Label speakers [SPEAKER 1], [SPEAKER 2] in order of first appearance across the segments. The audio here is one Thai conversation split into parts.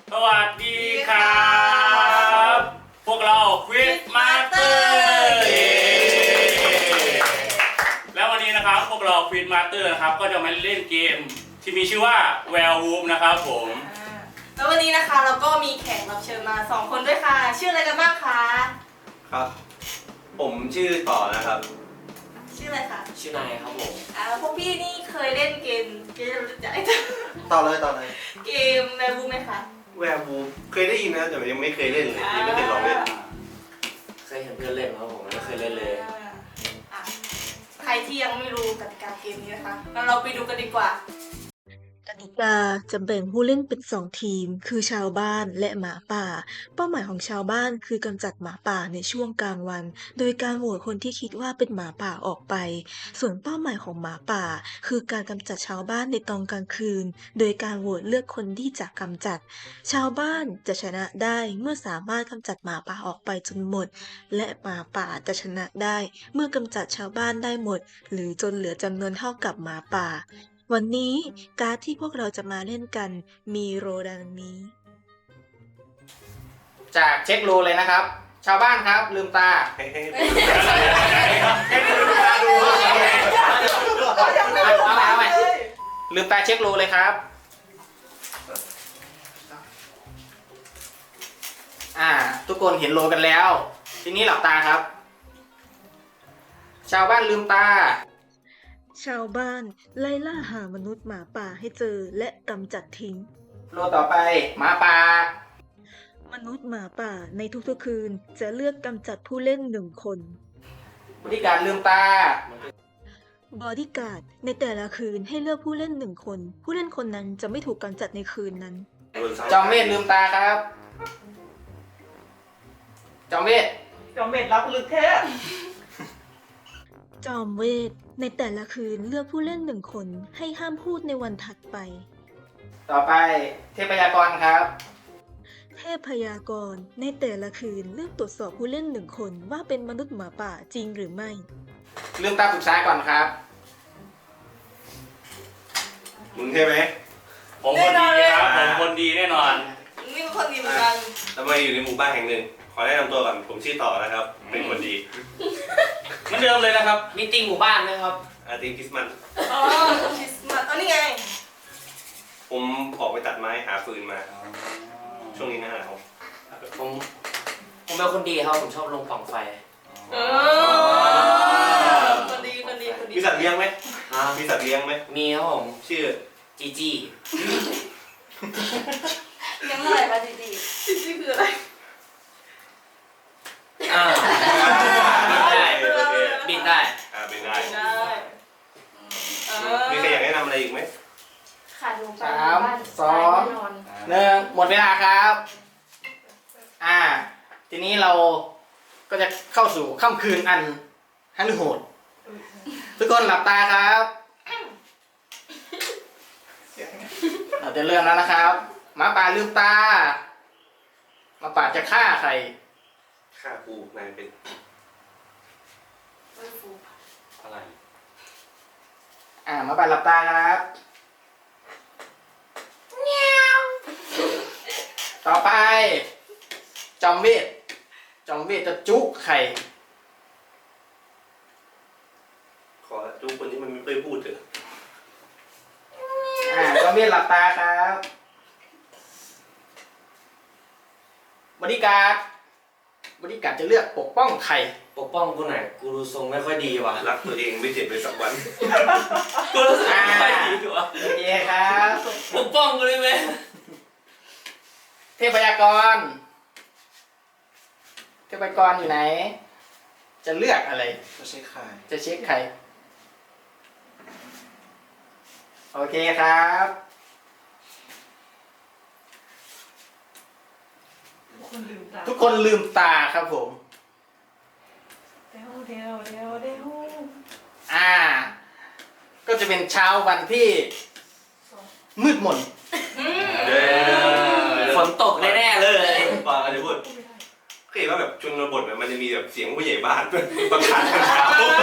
[SPEAKER 1] สวัสดีครับพวกเราควิดมาสเตอร์แล้ววันนี้นะครับพวกเราควิดมาสเตอร์นะครับก็จะมาเล่นเกมที่มีชื่อว่า Werewolf นะครับผม
[SPEAKER 2] แล้ววันนี้นะคะเราก็มีแขกรับเชิญมา2คนด้วยค่ะชื่ออะไรกันบ้างคะ
[SPEAKER 3] ครับผมชื่อต่อนะครับ
[SPEAKER 2] ชื่ออะไรคะ
[SPEAKER 4] ชื่อนายครับผม
[SPEAKER 2] พวกพี่นี่เคยเล่นเกม
[SPEAKER 3] ต่อเลย
[SPEAKER 2] เกมแวร์วูฟไหมคะ
[SPEAKER 3] แวร์วูฟเคยได้ยินนะแต่ยังไม่เคยเล่นเลยยังไม่เคยลองเล่น
[SPEAKER 4] เคยเห็นเพื่อนเล่นครับผมไม่เคยเล่นเลย
[SPEAKER 2] ใครที่ยังไม่รู้กติกาเกมนี้นะคะงั้นเราไปดูกันดีกว่าก
[SPEAKER 5] ติกาจะแบ่งผู้เล่นเป็น2ทีมคือชาวบ้านและหมาป่าเป้าหมายของชาวบ้านคือกำจัดหมาป่าในช่วงกลางวันโดยการโหวตคนที่คิดว่าเป็นหมาป่าออกไปส่วนเป้าหมายของหมาป่าคือการกำจัดชาวบ้านในตอนกลางคืนโดยการโหวตเลือกคนที่จะกำจัดชาวบ้านจะชนะได้เมื่อสามารถกำจัดหมาป่าออกไปจนหมดและหมาป่าจะชนะได้เมื่อกำจัดชาวบ้านได้หมดหรือจนเหลือจำนวนเท่ากับหมาป่าวันนี้การ์ดที่พวกเราจะมาเล่นกันมีโรดังนี้
[SPEAKER 4] จากเช็คโลเลยนะครับชาวบ้านครับลืมตา
[SPEAKER 3] ให้
[SPEAKER 4] ลืมตาดูเอาใหม่ลืมตาเช็คโลเลยครับทุกคนเห็นโลกันแล้วทีนี้หลับตาครับชาวบ้านลืมตา
[SPEAKER 5] ชาวบ้านไล่ล่าหามนุษย์หมาป่าให้เจอและกำจัดทิ้ง
[SPEAKER 4] โลต่อไปหมาป่าม
[SPEAKER 5] นุษย์หมาป่าในทุกๆคืนจะเลือกกำจัดผู้เล่น1 คน
[SPEAKER 4] บริการลืมตา
[SPEAKER 5] บอดี้การ์ดในแต่ละคืนให้เลือกผู้เล่น1 คนผู้เล่นคนนั้นจะไม่ถูกกำจัดในคืนนั้น
[SPEAKER 4] จอมเวทลืมตาครับจอมเวท
[SPEAKER 2] รับลึกแท้
[SPEAKER 5] จอมเวทในแต่ละคืนเลือกผู้เล่น1 คนให้ห้ามพูดในวันถัดไป
[SPEAKER 4] ต่อไปเทพยากรครับ
[SPEAKER 5] เทพยากรในแต่ละคืนเลือกตรวจสอบผู้เล่น1 คนว่าเป็นมนุษย์หมาป่าจริงหรือไม่
[SPEAKER 4] ลืมตาปรึกษาก่อนครับ
[SPEAKER 3] มึงใช่ไหม
[SPEAKER 1] ผมคนดีครับผมคนดีแน่นอน
[SPEAKER 2] นี่ก็คนดีเหมือนกัน
[SPEAKER 3] ทำไมอยู่ในหมู่บ้านแห่งหนึ่งขอแนะนำตัวก่อนผมชื่อต่อนะครับเป็นคนดี
[SPEAKER 1] เหมือนเดิมเลยนะครับ
[SPEAKER 4] มีตีหมู่บ้านนะครับ
[SPEAKER 3] ตีคริสต์มาส
[SPEAKER 2] คริสต์มาสนี่ไง
[SPEAKER 3] ผมออกไปตัดไม้หาฟืนมาช่วงนี้หน้าหนาว
[SPEAKER 4] ผมเป็นคนดีครับผมชอบลงปล่องไฟ
[SPEAKER 2] คนดี
[SPEAKER 3] มีสัตว์เลี้ยงไหมมีสัตว์เลี้ยงไหม
[SPEAKER 4] มีครับผม
[SPEAKER 3] ชื่อ
[SPEAKER 4] จีจี
[SPEAKER 2] เลี้ยงอะไรคะจีจีคืออะไร
[SPEAKER 4] บินได้
[SPEAKER 3] บินได้มีใครอยากแนะนำอะไรอีกไหม
[SPEAKER 2] ขาดลงไป
[SPEAKER 4] 3 2 1หมดเวลาครับทีนี้เราก็จะเข้าสู่ค่ำคืนอันฮันโหดทุกคนหลับตาครับเราจะเริ่มแล้วนะครับหมาป่าลืมตาหมาป่าจะฆ่าใคร
[SPEAKER 3] ฆ่ากูนายเป็นอะไร
[SPEAKER 4] หมาป่าหลับตาครับต่อไปจอมเวทจะจุกใคร
[SPEAKER 3] ขอจุกคนที่มันไม่เคยพูดเถอะ
[SPEAKER 4] จอมเวทหลับตาครับบริการจะเลือกปกป้องใคร
[SPEAKER 6] ปกป้องกูไหนกูดูทรงไม่ค่อยดีว่ะ
[SPEAKER 3] รักตัวเองไม่เจ็บเลยสักวัน
[SPEAKER 1] กูรู้สึกไม่ค่อยดีว่ะ
[SPEAKER 4] โอเคครับ
[SPEAKER 1] ปกป้องกูได้ไหม
[SPEAKER 4] เทพยากรอยู่ไหนจะเลือกอะไร
[SPEAKER 3] จะเช็ค
[SPEAKER 4] ใครโอเคครับทุกคนลืมตาครับผม
[SPEAKER 2] เดี๋ยว
[SPEAKER 4] ก็จะเป็นเช้าวันที่มืดมน
[SPEAKER 1] ฝนตกแน่ๆเลย
[SPEAKER 3] ฟังอะไรพูดเคยเห็นว่าแบบชนบทมันจะมีแบบเสียงผู้ใหญ่บ้านประกาศเช้า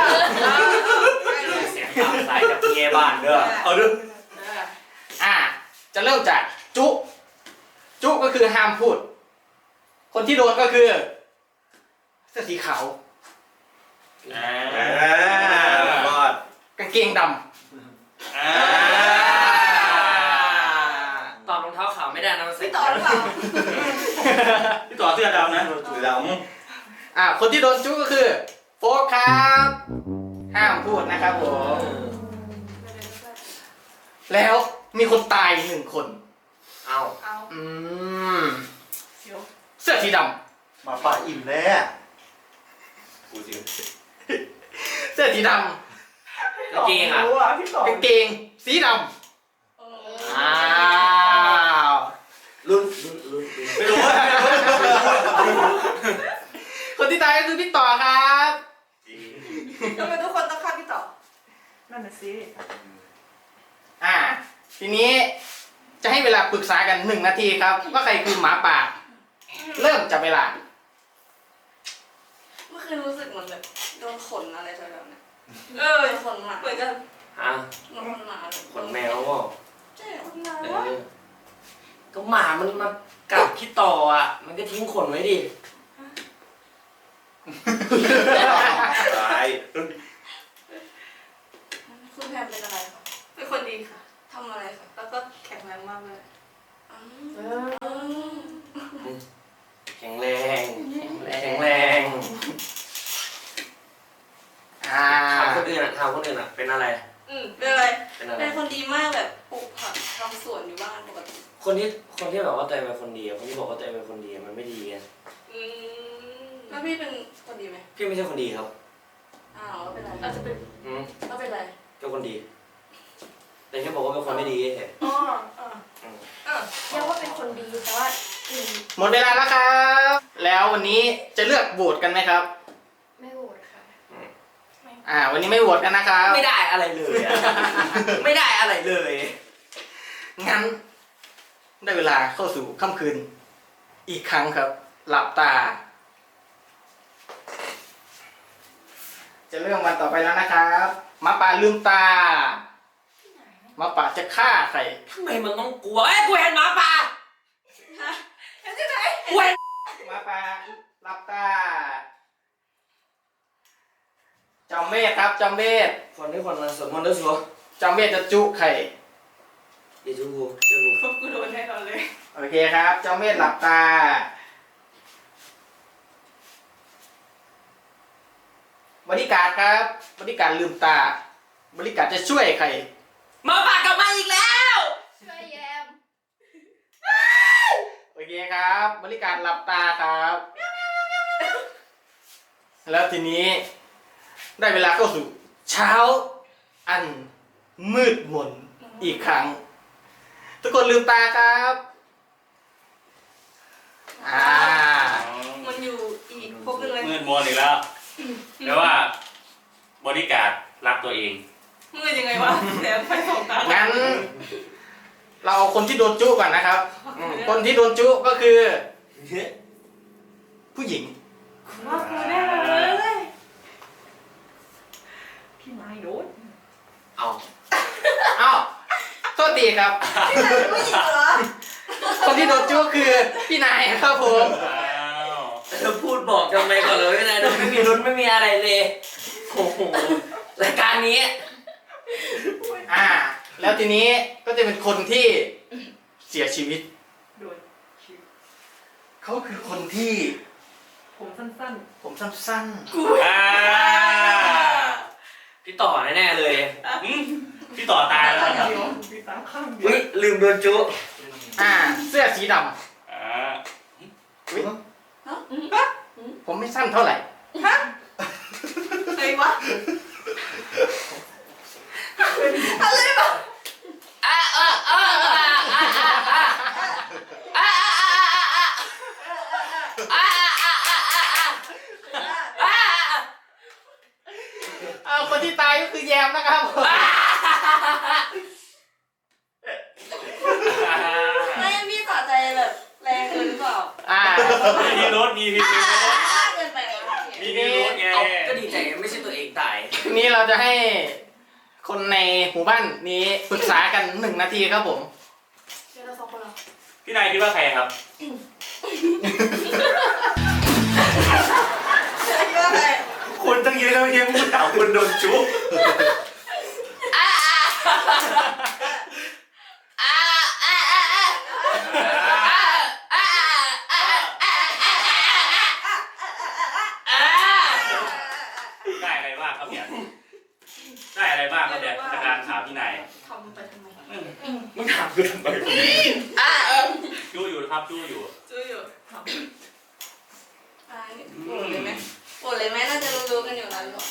[SPEAKER 1] เสียงตามสายจากผู้ใหญ่บ้านเด้อ
[SPEAKER 3] เอาด้วย
[SPEAKER 4] จะเริ่มจากจุจุก็คือห้ามพูด คนที่โดนก็คือเสื้อสีขาว
[SPEAKER 3] รอด
[SPEAKER 4] กางเกงด
[SPEAKER 6] ตอบรองเท้าขาวไม่ได้นะมันใส่
[SPEAKER 2] พี่ต่อหรือเปล่า
[SPEAKER 1] พี่ต่อเสื้อดำนะ
[SPEAKER 3] สีด
[SPEAKER 4] ำคนที่โดนจุก็คือโฟกครับห้ามพูดนะครับผม แล้วมีคนตาย1 คน
[SPEAKER 6] เอา
[SPEAKER 2] เอา
[SPEAKER 4] อืม
[SPEAKER 2] เดี๋ยว
[SPEAKER 4] เสื้อสีด
[SPEAKER 7] หมาป่าอิ่มแล้ว
[SPEAKER 3] ำกูจริง
[SPEAKER 4] ำเสื้อสีด
[SPEAKER 6] กางเกงอ่ะ
[SPEAKER 4] ำกางเกงสีดำ
[SPEAKER 2] เอ
[SPEAKER 4] อ้า
[SPEAKER 2] อ
[SPEAKER 4] ว
[SPEAKER 6] รุ่น
[SPEAKER 3] ไม่รู้ว่า
[SPEAKER 4] คนที่ตายก็คือพี่ต่อครับ
[SPEAKER 2] ทำไมทุกคนต้องฆ่าพี่ต่อ
[SPEAKER 8] นั่นน่ะสิ
[SPEAKER 4] ทีนี้จะให้เวลาปรึกษากัน1 นาทีครับ ว่าใครคือหมาป่า เริ่มจับเวลา
[SPEAKER 2] เมื่อคืนรู้สึกเหมือนแบบโดนขนอะไรแถวๆนั้น
[SPEAKER 8] เออ
[SPEAKER 2] ขนหมาเหมือนกัน
[SPEAKER 6] ฮะ
[SPEAKER 2] ขนหมา
[SPEAKER 6] ขนแมวเปล่า
[SPEAKER 2] ใช่ขนหมา
[SPEAKER 6] เออก็หมามันมากัดพี่ต่ออ่ะ มันก็ทิ้งขนไว้ดิ
[SPEAKER 3] ตาย
[SPEAKER 2] คุณแพมเป็นอะไรคะเป็นคนดีค่ะทำอะไรคะแล้วก็แข็งแรงมากเลยอืม
[SPEAKER 6] แข็งแรงแข็งแรง ถามคนอื่นอ่ะเป็นอะไร
[SPEAKER 2] เป็นอะไร
[SPEAKER 6] เป็นอะไร
[SPEAKER 2] เป็นคนดีมากแบบปลูกผักทำสวนอยู่บ้านปกติ
[SPEAKER 6] คนที่แบบว่าตัวเองเป็นคนดีอะคนที่บอกว่าตัวเองเป็นคนดีอะมันไม่ดีไง
[SPEAKER 2] แล้วพี่เป็นคนดีไหม
[SPEAKER 6] พี่ไม่ใช่คนดีครับ
[SPEAKER 2] อ้าวแล้วเป็นอะไรอาจจะเป็น
[SPEAKER 6] อืม
[SPEAKER 2] แล้วเป็นอะไร
[SPEAKER 6] ก็คนดี แต่แค่บอกว่าเป็นคนไม่ดีเฉย
[SPEAKER 2] อ๋ออ่า
[SPEAKER 8] ยังว่าเป็นคนดีแต่ว่า
[SPEAKER 4] หมดเวลาแล้วครับ แล้ววันนี้จะเลือกโหวตกันไหมครับ
[SPEAKER 8] ไม่โหวตค่ะ
[SPEAKER 4] วันนี้ไม่โหวตกันนะครับ
[SPEAKER 6] ไม่ได้อะไรเลยอะ ไม่ได้อะไรเลย
[SPEAKER 4] งั้น ได้เวลาเข้าสู่ค่ำคืน อีกครั้งครับ หลับตา จะเริ่มวันต่อไปแล้วนะครับหมาป่าลืมตาหมาป่าจะฆ่าใคร
[SPEAKER 6] ทำไมมันต้องกลัว เอ้ยกูเห็นหมาป่า
[SPEAKER 2] เห็นที่ไหน
[SPEAKER 6] กูเห็น
[SPEAKER 4] หมาป่าหลับตาจอมเวทครับจอมเวท
[SPEAKER 6] คนที่คนนั้นสวดมนต์ด้วยสัว
[SPEAKER 4] จอมเวทจะจุใคร
[SPEAKER 6] เดี๋ยวจูเดี๋ยวกู
[SPEAKER 2] พวกกูโดนแน่นอนเลย
[SPEAKER 4] โอเคครับจอมเวทหลับตา บริการดครับบริการดลืมตา บริการดจะช่วยใคร
[SPEAKER 6] หมาป่ากลับมาอีกแล้ว
[SPEAKER 8] ช่วยแยม
[SPEAKER 4] โอเคครับ บริการหลับตาครับ แล้วทีนี้ ได้เวลาเข้าสู่ เช้า อันมืดมนอีกครั้ง ทุกคนลืมตาครับ
[SPEAKER 2] มันอยู่อีกพวกนึงเลย
[SPEAKER 1] มืดมนอีกแล้วแปลว่าบริการรักตัวเอง
[SPEAKER 2] มืดยังไงวะแต่ไฟสองตา
[SPEAKER 4] งั้น เราเอาคนที่โดนจุก่อนนะครับ คนที่โดนจุก็คือ ผู้หญิง
[SPEAKER 2] ว่ากูแน่เลย
[SPEAKER 8] พี่ไม้โดน
[SPEAKER 6] เอา
[SPEAKER 4] อ้าวโทษทีครับ
[SPEAKER 2] พี่นายเป็นผู้หญิงเหรอ
[SPEAKER 4] คนที่โดนจุก็คือพี่นายครับผม
[SPEAKER 1] อ้าว
[SPEAKER 6] เธอพูดบอกทำไมก่อนเลยไม่ได้ไม่มีลุ้นไม่มีอะไรเลย โอ้โห รายการนี้
[SPEAKER 4] แล้วทีนี้ก็จะเป็นคนที่เสียชีวิต
[SPEAKER 8] โดนคิว
[SPEAKER 4] เขาคือคนที่
[SPEAKER 8] ผมสั้น
[SPEAKER 4] ผมสั้น
[SPEAKER 1] อ่า
[SPEAKER 6] พี่ต่อแน่ๆเลย
[SPEAKER 1] อืมพี่ต่อตายแล้ว
[SPEAKER 8] ๆ
[SPEAKER 1] ครับ
[SPEAKER 8] เดียวมีตาข้างเดียว
[SPEAKER 6] อุ้ยลืมโดนจุ
[SPEAKER 4] เสื้อสีด
[SPEAKER 1] อ่า
[SPEAKER 4] ำอุ๊ยผมไม่สั้นเท่าไหร่
[SPEAKER 2] อะไรวะอะไรวะ
[SPEAKER 4] คนที่ตายก็คือแยมนะครับผม
[SPEAKER 2] ไม่พี่สะใจแบบแรงเกินหรือเปล่า
[SPEAKER 1] มีพิรุธมีพิรุธ
[SPEAKER 2] เกินไปแล้ว
[SPEAKER 1] มีพิรุธไง
[SPEAKER 6] เอาก็ดีใจไม่ใช่ตัวเองตาย
[SPEAKER 4] ทีนี้เราจะให้คนในหมู่บ้านนี้ปรึกษากัน1 นาทีครับผม
[SPEAKER 2] เดี๋ยวเราสองคนเหรอ
[SPEAKER 1] พี่พี่นายคิดว่าใครครับ
[SPEAKER 2] คิดว่าใคร
[SPEAKER 3] คนตั้งเยอะแล้วยังพูดถามคนโดนจุ๊บ
[SPEAKER 1] ได้อะไรบ้างครับเนี่ยได้อะไรบ้างครับเนี่ยจากการถามพี่นาย
[SPEAKER 2] ทำไปทำไม
[SPEAKER 1] มึงถามกูทำไมจู้อยู่ครับจู้อยู่
[SPEAKER 2] จู้อยู่โหวตเลยไหมโหวตเลยไหมน่าจะรู้ๆกันอยู่แล้วหรือเปล่า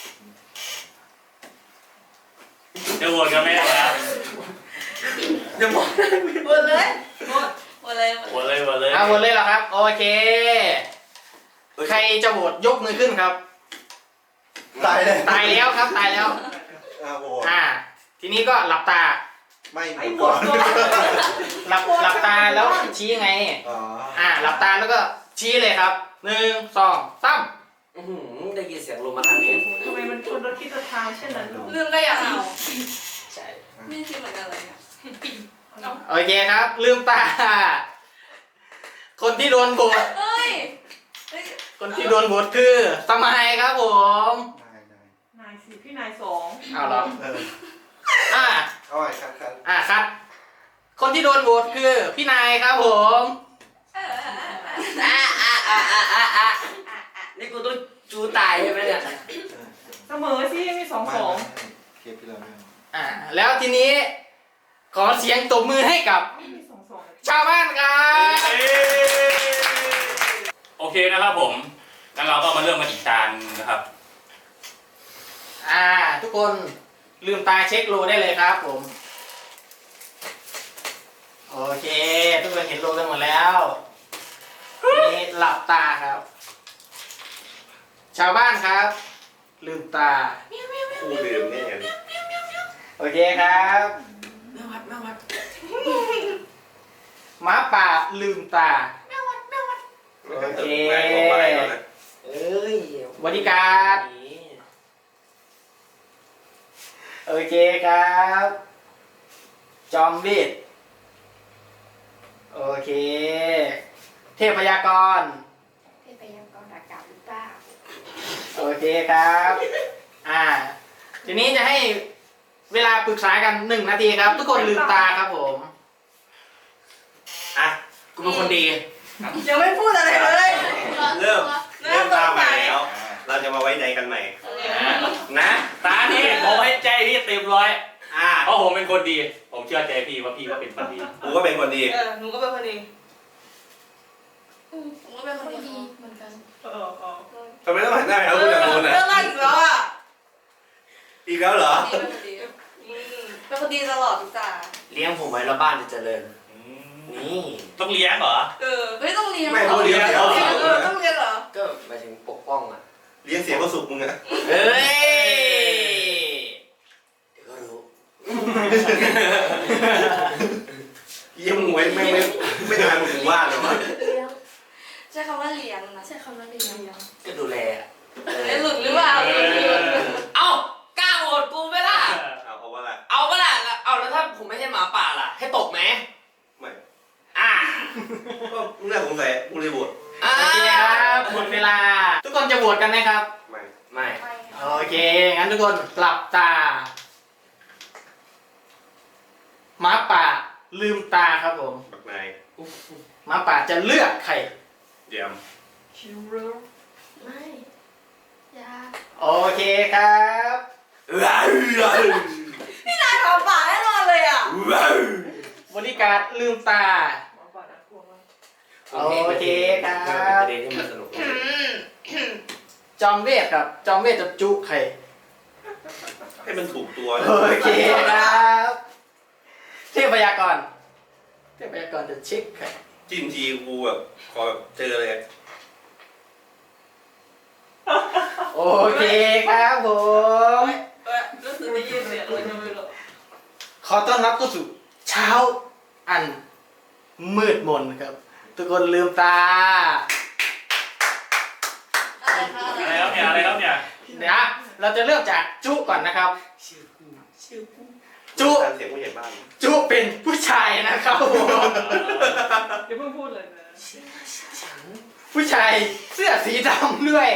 [SPEAKER 1] จะโหวตกันไหมครับ
[SPEAKER 6] จะบอก
[SPEAKER 2] โหวตเลยโหวตเลย
[SPEAKER 1] โหวตเลยโหวตเลย
[SPEAKER 4] เอาหมดเลยเหรอครับ โอเค ใครจะโหวตยกมือขึ้นครับ
[SPEAKER 7] ตายเลย
[SPEAKER 4] ตายแล้วครับตายแล้ว
[SPEAKER 7] โห
[SPEAKER 4] ทีนี้ก็หลับตา
[SPEAKER 7] ไม่
[SPEAKER 8] ไอ้
[SPEAKER 7] ห
[SPEAKER 8] ห
[SPEAKER 7] ม
[SPEAKER 8] ม
[SPEAKER 7] ด
[SPEAKER 8] ด
[SPEAKER 7] ก่อน
[SPEAKER 4] หลับตาแล้วชี้ไง
[SPEAKER 7] อ๋อ
[SPEAKER 4] หลับตาแล้วก็ชี้เลยครับ1 2 3
[SPEAKER 6] อื้อหือได้ยินเสียงลมมาทางนี้
[SPEAKER 8] ทำไมมันชนรถคิดจะทางเช่นนั้นหรอ
[SPEAKER 2] เรื่องก็อยากเอา
[SPEAKER 6] ใช่
[SPEAKER 2] ไม่คิดเหมือนกันเลยเนี่ย
[SPEAKER 4] โอเคครับ ลืมตา คนที่โดนโหวต
[SPEAKER 2] เฮ้ย
[SPEAKER 4] คนที่โดนโหวตคือสมัยครับผม
[SPEAKER 7] ได้ได้
[SPEAKER 8] นายสี่พี่นายสอง
[SPEAKER 4] เอาเหรอ
[SPEAKER 7] เออ
[SPEAKER 4] อ่า
[SPEAKER 7] เอาไว้ครับ
[SPEAKER 4] ครับ คนที่โดนโหวตคือพี่นายครับผม
[SPEAKER 6] นี่กูต้องจูตายใช่ไหมเนี่ย
[SPEAKER 8] เสมอสิมีสอง
[SPEAKER 7] ไม่
[SPEAKER 8] สอง
[SPEAKER 7] เคปที่เราไม่เอา
[SPEAKER 4] แล้วทีนี้ ขอเสียงตบมือให้กับ
[SPEAKER 8] มีสองสอง
[SPEAKER 4] ชาวบ้านครับ
[SPEAKER 1] โอเคนะครับผมงั้นเราก็มาเริ่มกันอีกจานนะครับ
[SPEAKER 4] ทุกคนลืมตาเช็คโลได้เลยครับผม โอเค ทุกคนเห็นโลกันหมดแล้วทีนี้หลับตาครับ ชาวบ้านครับ ลืมตา
[SPEAKER 3] คู่ลืมแน่เลย
[SPEAKER 4] โอเคครับหมาป่าลืมตา โอเค
[SPEAKER 3] แม่บอกไปก่อนนะ
[SPEAKER 6] เอ้ย
[SPEAKER 4] บริการ โอเคครับ จอมเวทโอเค เทพยากร
[SPEAKER 2] เทพยากรอากาศหรือเปล่า
[SPEAKER 4] โอเคครับ ทีนี้จะให้เวลาปรึกษากัน1 นาทีครับ ทุกคนลืมตาครับผม
[SPEAKER 6] อ่ะกูเป็นคนดี
[SPEAKER 2] ยังไม่พูดอะไรเลย
[SPEAKER 3] เริ่มตามใหม่แล้ว เราจะมาไว้ใจกันใหม่
[SPEAKER 1] นะตานี่ผมให้ใจพี่เต็มร้อยเพราะผมเป็นคนดี ผมเชื่อใจพี่ว่าพี่ก็เป็นคนดี
[SPEAKER 3] กูก็เป็นคนดี
[SPEAKER 2] หนูก็เป็นคนดีผมก็เป็นคนดีเหมือนกัน
[SPEAKER 3] ทำไมต้องหันหน้าไปเอาคนละคนอ่ะ
[SPEAKER 2] เรื่องอะไรอีกแล้วอ่ะ
[SPEAKER 3] อีกแล้วเหรอ
[SPEAKER 2] เป็นคนดีตลอดทุกตา
[SPEAKER 6] เลี้ยงผมไว้แล้วบ้านจะเจริญ นี่
[SPEAKER 1] ต้องเลี้ยงเหรอ
[SPEAKER 2] ไม่ต้องเรียน
[SPEAKER 3] ไม่ต้องเลี้ยง
[SPEAKER 2] ต้องเรียนต้องเรียนเหรอ
[SPEAKER 6] ก็หมายถึงปกป้องอ่ะ
[SPEAKER 3] เลี้ยงเสียงก็สุกมึงอะ
[SPEAKER 6] เฮ้ย เดี๋ยวก็รู้
[SPEAKER 3] เยี่ยมงไว้ไม่ทานมึงว่าเลยวะ
[SPEAKER 2] ใช้คำว่าเลี้ยงนะใช้คำว่าเลี้ยง
[SPEAKER 6] ก็ดูแลอะ
[SPEAKER 2] หลุดหรือเปล่า
[SPEAKER 6] เอ้ากล้าโหวตกูไหมล่ะ
[SPEAKER 3] เอาว่าอะไร
[SPEAKER 6] เอาปะล่ะเอาแล้วถ้าผมไม่ใช่หมาป่าล่ะ ให้ตกไหม
[SPEAKER 3] ไม่
[SPEAKER 6] อ่า
[SPEAKER 3] ก็มึงน่าสงสัยกูเลยบวช
[SPEAKER 6] อ่า
[SPEAKER 4] โอเคครับหมดเวลา ทุกคนจะโหวตกันไหมครับ
[SPEAKER 3] ไม่
[SPEAKER 6] ไม่
[SPEAKER 4] โอเค งั้นทุกคนหลับตาหมาป่าลืมตาครับผม
[SPEAKER 3] บักนาย
[SPEAKER 4] หมาป่าจะเลือกใคร
[SPEAKER 3] เยี่ยม
[SPEAKER 8] คิวเรอร์
[SPEAKER 2] ไม่ยา
[SPEAKER 4] โอเคครับ
[SPEAKER 2] พี่นายขอป่าแน่นอนเลยอ่ะ
[SPEAKER 4] บริการลืมตา
[SPEAKER 8] หมาป่าน่ากลัวมาก
[SPEAKER 4] โอเคครับ
[SPEAKER 6] ประเด็นที่มันสนุก
[SPEAKER 4] จอมเวทครับ จอมเวทจะจุใคร
[SPEAKER 3] ให้มันถูกตัวนะ
[SPEAKER 4] โอเคครับ เทพยากร เทพยากรจะเช็คใคร
[SPEAKER 3] จิ้มทีกูแบบขอแบบเจอเลย
[SPEAKER 4] โอเคครับผม
[SPEAKER 2] รู้สึกได้ยินเสียงเลยยังไม่รู้
[SPEAKER 4] ขอต้อนรับเข้าสู่เช้าอันมืดมนครับ ทุกคนลืมตา
[SPEAKER 2] อะไรคะ
[SPEAKER 1] อะไรครับเนี่ยอะไรครับเนี่ย
[SPEAKER 4] เดี๋ยวเราจะเริ่มจากจุก่อนนะครับ จุ
[SPEAKER 3] การเสียงผู้ใหญ่บ้าน
[SPEAKER 4] จุเป็นผู้ชายนะครับผม
[SPEAKER 8] อย่าเพิ่งพูดเลยนะ
[SPEAKER 4] ผู้ชายเสื้อสีดำด้วย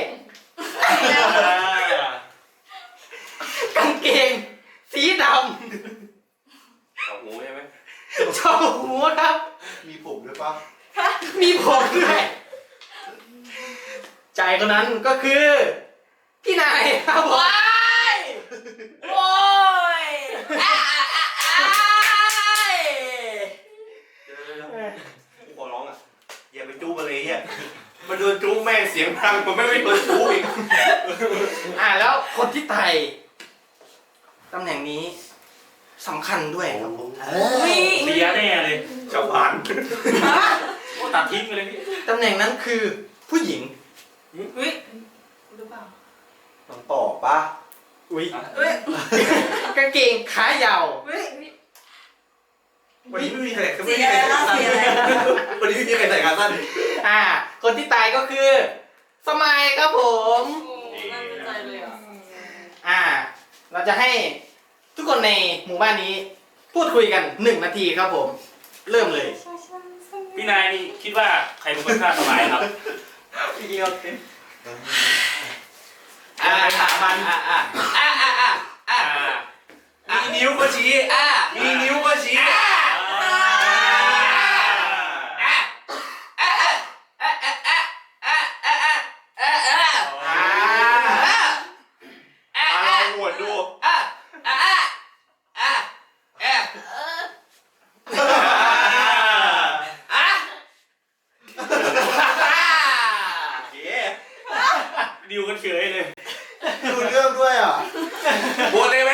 [SPEAKER 4] กางเกงสีด
[SPEAKER 3] เอาหูใช่ไหม
[SPEAKER 4] ำชอบหูครับ
[SPEAKER 7] มีผมด้วยปะ
[SPEAKER 4] มีผมด้วยใจคนนั้นก็คือพี่นายครับผม
[SPEAKER 6] โอ้ยอ่ะอ่ะอ่ะอ่ะ
[SPEAKER 3] กูขอร้องอ่ะอย่าไปจู้มาเลยเนี่ยมันโดนจู้แม่งเสียงดังมันไม่โดนจู้อีก
[SPEAKER 4] แล้วคนที่ไต่ตำแหน่งนี้สำคัญด้วยครับผม
[SPEAKER 1] เสียแน่เลย
[SPEAKER 3] ชาวบ้าน
[SPEAKER 1] โอ้ตัดทิ้งไปเลยพี่
[SPEAKER 4] ตำแหน่งนั้นคือผู้หญิง
[SPEAKER 2] เฮ้ยหรือเปล่า
[SPEAKER 7] น้องต่อปะ
[SPEAKER 4] อุ้ย
[SPEAKER 2] เฮ้ย
[SPEAKER 4] กางเกงขายาว
[SPEAKER 2] เฮ้ย
[SPEAKER 3] วันนี้ไม่มีใคร
[SPEAKER 2] เสียอะไรนะเสียอะไรนะ
[SPEAKER 3] วันนี้ไม่มีใครใส่ขาสั้น
[SPEAKER 4] คนที่ตายก็คือ สมัยครับผม
[SPEAKER 2] โอ้น่าสนใจเลยอ่ะ
[SPEAKER 4] เราจะให้ทุกคนในหมู่บ้านนี้ พูดคุยกัน1 นาทีครับผม เริ่มเลย
[SPEAKER 1] พี่นายนี่คิดว่าใครเป็นคนฆ่าสมัยครับ
[SPEAKER 4] ถามมัน
[SPEAKER 3] มีนิ้วก็ชี้มีนิ้วก็ชี้ มาลองโหวตดู เย้
[SPEAKER 1] ดิวกันเฉยเลย
[SPEAKER 7] ดูเรื่องด้วยอ่ะ
[SPEAKER 3] โหวตเลยไหม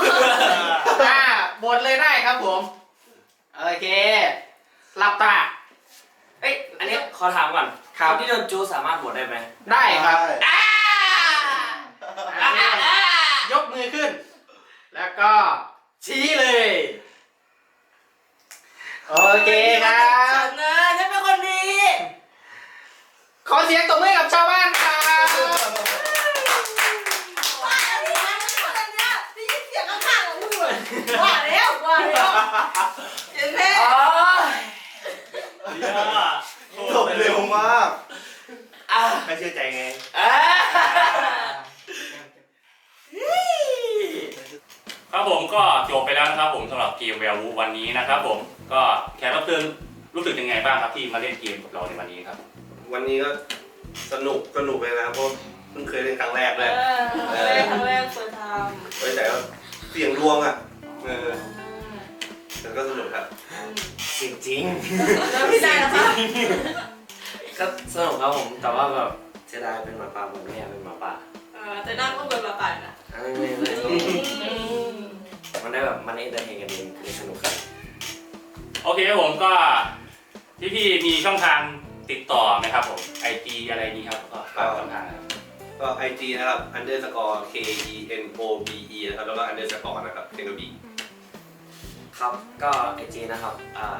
[SPEAKER 4] บทเลยได้ครับผม โอเคหลับตา
[SPEAKER 6] เอ้ยอันนี้ขอถามก่อน
[SPEAKER 4] ครับ
[SPEAKER 6] นที่โดนจูสามารถบวชได้ไหม
[SPEAKER 4] ได้ครับ
[SPEAKER 7] ได้
[SPEAKER 4] ยกมือขึ้น แล้วก็ ชี้เลย โอเคครับ
[SPEAKER 2] ฉันนะฉันเป็นคนดี
[SPEAKER 4] ขอเสียงตบมือกับชาวบ้านครับ
[SPEAKER 2] ว่าแล้วพี่นะฉันเป็นคนดีได้ยินเสียงข้างๆของมึงเลยว่าแล้วเห็นไหม
[SPEAKER 6] อ๋อ
[SPEAKER 7] จบเร็วมาก
[SPEAKER 6] อ่ะ
[SPEAKER 3] ไม่เชื่อใจไง
[SPEAKER 6] อ่ะ
[SPEAKER 1] ครับผมก็จบไปแล้วนะครับผมสำหรับเกมแวร์วูวันนี้นะครับผมก็แขกรับเชิญรู้สึกยังไงบ้างครับที่มาเล่นเกมกับเราในวันนี้ครับ
[SPEAKER 3] วันนี้ก็สนุกเลยนะเพราะเพิ่งเคยเล่นครั้งแรกเลย
[SPEAKER 2] ครั้งแรกเปิดท
[SPEAKER 3] ไว้แต่ว่าเสียงดวงอ่ะแต่ก็สนุกครับ
[SPEAKER 6] จริง
[SPEAKER 2] ำแล้วพี่นายนะคะ
[SPEAKER 6] ๆก็สนุกครับผมแต่ว่าแบบเสียดายเป็นหมาป่าผมไม่อยากเป็นหมาป่า
[SPEAKER 2] แต่หน้าก็เปิดมาป่านนะ
[SPEAKER 6] มันได้แบบมันเอนเตอร์เทนกันเองคือสนุกครับ
[SPEAKER 1] โอเคครับผมก็พี่มีช่องทางติดต่อไหมครับผม IG อะไรนี้ครับก็ฝากช่องทางครับ
[SPEAKER 3] ก็ IG นะครับ _KENOBE นะครับแล้วก็ underscore นะครับเทนบี
[SPEAKER 6] ครับก็ไอจีนะครับ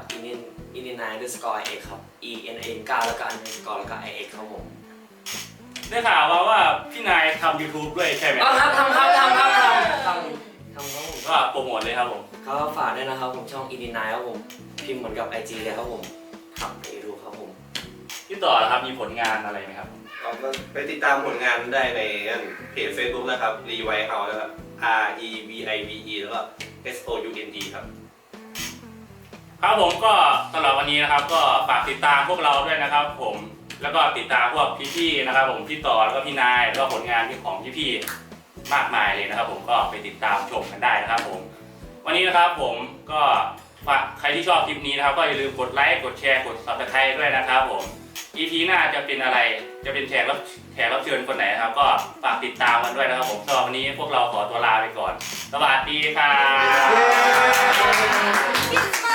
[SPEAKER 6] อิน9 ครับ ENN9 แล้วก็ underscore แล้วก็ IX ครับผม
[SPEAKER 1] ได้ข่าวว่าพี่นายทำ YouTube ด้วยใช่ไหม
[SPEAKER 6] อ๋อครับทำครับผม
[SPEAKER 1] ก็โปรโมทเลยครับผม
[SPEAKER 6] ก็ฝากด้วยนะครับผมช่องอิน9ครับผมพิมพ์เหมือนกับ IG เลยครับผมทำไปดูครับผม
[SPEAKER 1] พี่ต่อนะครับมีผลงานอะไรไหมครับ
[SPEAKER 3] ก็ไปติดตามผลงานได้ในเพจ Facebook นะครับ Revive House นะครับ REVIVE แล้วก็ SOUND ครับ
[SPEAKER 1] ครับผมก็สำหรับวันนี้นะครับก็ฝากติดตามพวกเราด้วยนะครับผมแล้วก็ติดตามพวกพี่ๆนะครับผมพี่ต่อแล้วก็พี่นายแล้วก็ผลงานของพี่ๆมากมายเลยนะครับผมก็ไปติดตามชมกันได้นะครับผมวันนี้นะครับผมก็ฝากใครที่ชอบคลิปนี้นะครับก็อย่าลืมกดไลค์กดแชร์กด Subscribe ด้วยนะครับผม EP หน้าจะเป็นอะไรจะเป็นแขกรับเชิญคนไหนนะครับก็ฝากติดตามกันด้วยนะครับผมสำหรับวันนี้พวกเราขอตัวลาไปก่อนสวัสดีครับ
[SPEAKER 2] กิน